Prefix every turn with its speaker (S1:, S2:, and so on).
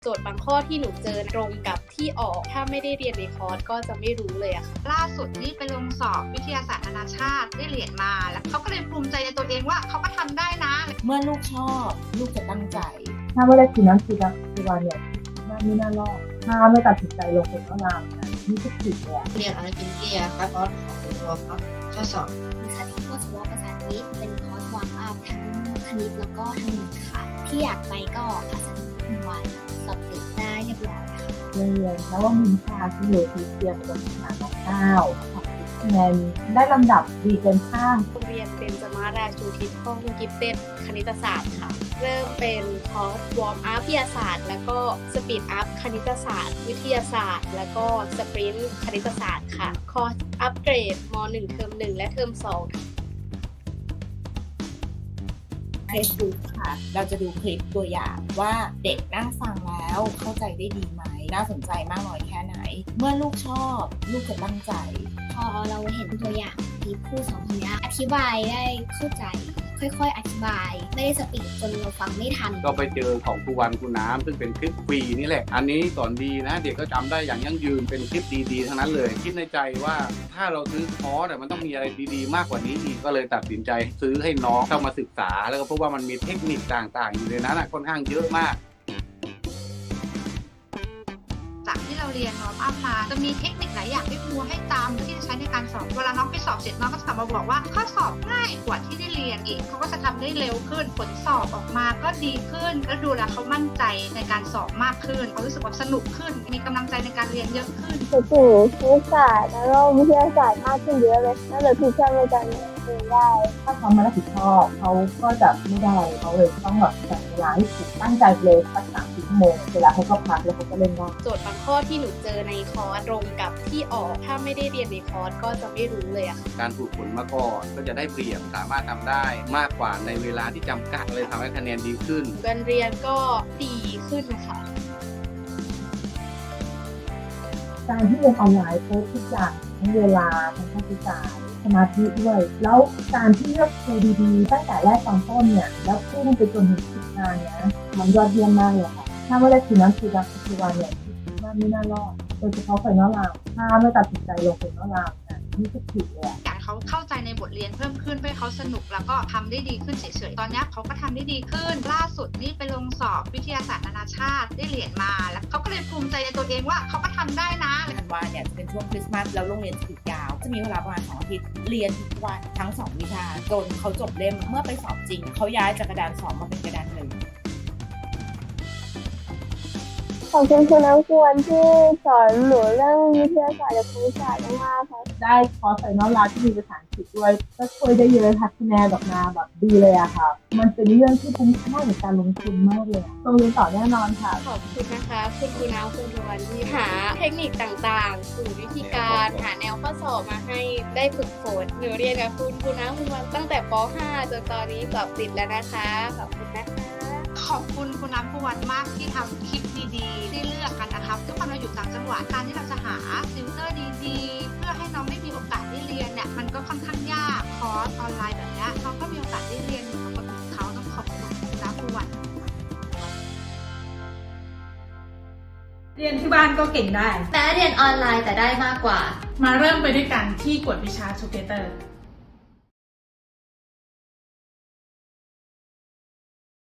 S1: โจทย์บางข้อที่หนูเจอตรงกับที่ออกถ้าไม่ได้เรียนในคอร์สก็จะไม่รู้เลยอะค่ะ
S2: ล่าสุดนี่ไปลงสอบวิทยาศาสตร์นานาชาติได้เหรียญมาแล้วเขาก็เลยภูมิใจในตัวเองว่าเขาก็ทำได้นะ
S3: เมื่อลูกชอบลูกจะตั้งใจ
S4: ถ้าไม่ได้กินน้ำซีรักซีวานเนี่ยไม่น่ารอดถ้าไม่ตัดสินใจลงเป็นก็ลามนะนี่ก็ผิดเลย
S5: เรียนอะไรเป็นเกียร์ครับคอร์สของตัวครับข้อสอบ
S6: วิชาที่ข้อสอบภาษาอังกฤษเป็นคอร์สวางอัพทั้งคณิตแล้วก็ทั้งวิทย์ค่ะที่อยากไปก็ภาษาอังกฤษวันสอบติดได้เรียบร้อยค่ะ
S4: เรียนแล้วว่ามินทาที่อยู่ที่เตรียมกับภาษา9คะแนนได้ลำดับดีเกินข้าง
S1: โรงเรียนเบญจมาราชูทิศห้องกิฟเต็ดคณิตศาสตร์ค่ะเริ่มเป็นคอร์สวอร์มอัพวิทยาศาสตร์แล้วก็สปีดอัพคณิตศาสตร์วิทยาศาสตร์แล้วก็สปรินต์คณิตศาสตร์ค่ะคอร์สอัปเกรดม.1 เทอม 1และเทอม 2
S3: Facebook ค่ะ เราจะดูคลิปตัวอย่างว่าเด็กนั่งฟังแล้วเข้าใจได้ดีไหมน่าสนใจมากน้อยแค่ไหนเมื่อลูกชอบลูกจะตั้งใจ
S6: พอเราเห็นตัวอย่างที่ผู้สอนคนนี้อธิบายได้เข้าใจค่อยๆอธิบายไม่ได้สปีดจนเราฟังไม่ทัน
S7: ก็ไปเจอของครูวันครูน้ำซึ่งเป็นคลิปฟรีนี่แหละอันนี้สอนดีนะเด็กก็จำได้อย่างยั่งยืนเป็นคลิปดีๆทั้งนั้นเลยคิดในใจว่าถ้าเราซื้อคอร์สมันต้องมีอะไรดีๆมากกว่านี้อีกก็เลยตัดสินใจซื้อให้น้องเข้ามาศึกษาแล้วก็พบว่ามันมีเทคนิคต่างๆอยู่ในนั้นค่อนข้างเยอะมาก
S2: จากที่เราเรียนวอร์มอัพมาจะมีเทคนิคหลายอย่างที่ครูให้ตามที่จะใช้ในการสอบเวลาน้องไปสอบเสร็จน้องก็จะกลับมาบอกว่าข้อสอบง่ายกว่าที่ได้เรียนอีกเขาก็จะทำได้เร็วขึ้นผลสอบออกมาก็ดีขึ้นแล้วดูแลเขามั่นใจในการสอบมากขึ้นเขารู้สึกว่าสนุกขึ้นมีกำลังใจในการเรียนเยอะขึ้น
S8: ถึงคณิตศาสตร์แล้วก็วิทยาศาสตร์มากขึ้นเยอะเลยน่าจะพิจารณาการเรียนได้
S4: ถ้าเขามารับผิดชอบเขาก็จะไม่ได้เขาเลยต้องแบบจัดเวลาให้ถูกตั้งใจเลยสัก30 ชั่วโมงเวลาเขาก็พักแล้วเขาก็เล่นได้
S1: โจทย์บางข้อที่หนูเจอในคอร์สตรงกับที่ออกถ้าไม่ได้เรียนในคอร์สก็จะไม่รู้เลยอะค่ะ
S7: การฝึกฝนมาก่อนก็จะได้เปรียบสามารถทำได้มากกว่าในเวลาที่จำกัดเลยทำให้คะแนนดีขึ้น
S1: การเรียนก็ดีขึ้นค่ะ
S4: การที่เรียนออนไลน์ทุกอย่างทั้งเวลาทั้งค่าใช้จ่ายสมาธิด้วยแล้วการที่เลือกครูดีๆตั้งแต่แรกตอนต้นเนี่ยแล้วพุ่งไปจนถึงสุดท้ายนะมันยอดเยี่ยมมากเลยค่ะถ้าไม่ได้กินน้ำซีรักซีวานเนี่ยไม่น่ารอดโดยเฉพาะไฟนอลราวถ้าไม่ตัดสินใจลงไฟนอลราวนี่ก็ผิดเลย
S2: อยากเขาเข้าใจในบทเรียนเพิ่มขึ้นเพื่อเขาสนุกแล้วก็ทำได้ดีขึ้นเฉยๆตอนนี้เขาก็ทำได้ดีขึ้นล่าสุดนี่ไปลงสอบวิทยาศาสตร์นานาชาติได้เหรียญมาแล้วเขาก็เลยภูมิใจในตัวเองว่าเขาก็ทำได้นะ
S3: ธันวาเนี่ยจะเป็นช่วงคริสต์มาสแล้วโรงเรียนจะหยุดยาวจะมีเวลาประมาณ2 อาทิตย์เรียนทุกวันทั้ง2 วิชาจนเขาจบเล่มเมื่อไปสอบจริงเขาย้ายจากกระดาน2มาเป็นกระดาน1
S8: ขอบคุณคุณน้ำควรที่สอนหนูเรื่องวิทยาศาสตร์และคณิตศาสตร์มากค่ะ
S4: ได้คอร์สไฟนอลราวที่มีภาษาอังกฤษด้วยก็ช่วยได้เยอะค่ะคะแนนออกมาแบบดีเลยอะค่ะมันเป็นเรื่องที่คุ้มค่าในการลงทุนมากเลยโรงเรียนต่อแน่นอนค่ะ
S1: ขอบคุณนะคะคุณครูน้ำคุณครูวันที่หาเทคนิคต่างๆสู่วิธีการหาแนวข้อสอบมาให้ได้ฝึกฝนหนูเรียนกับคุณครูน้ำคุณวันตั้งแต่ป .5 จนตอนนี้สอบติดแล้วนะคะขอบคุณนะคะ
S2: ขอบคุณคุณน้ำผู้วันมากที่ทำคลิปดีๆที่เลือกกันนะครับทุกคนเราอยู่ต่างจังหวัดการที่เราจะหาติวเตอร์ดีๆเพื่อให้น้องได้มีโอกาสได้เรียนเนี่ยมันก็ค่อนข้างยากคอร์สออนไลน์แบบนี้น้องก็มีโอกาสได้เรียนอยู่กับคนอื่นเขาต้องขอบคุณคุณน้ำผู้วัน
S9: เรียนที่บ้านก็เก่งได้
S6: แม้เรียนออนไลน์แต่ได้มากกว่า
S9: มาเริ่มไปด้วยกันที่กวดวิชา Together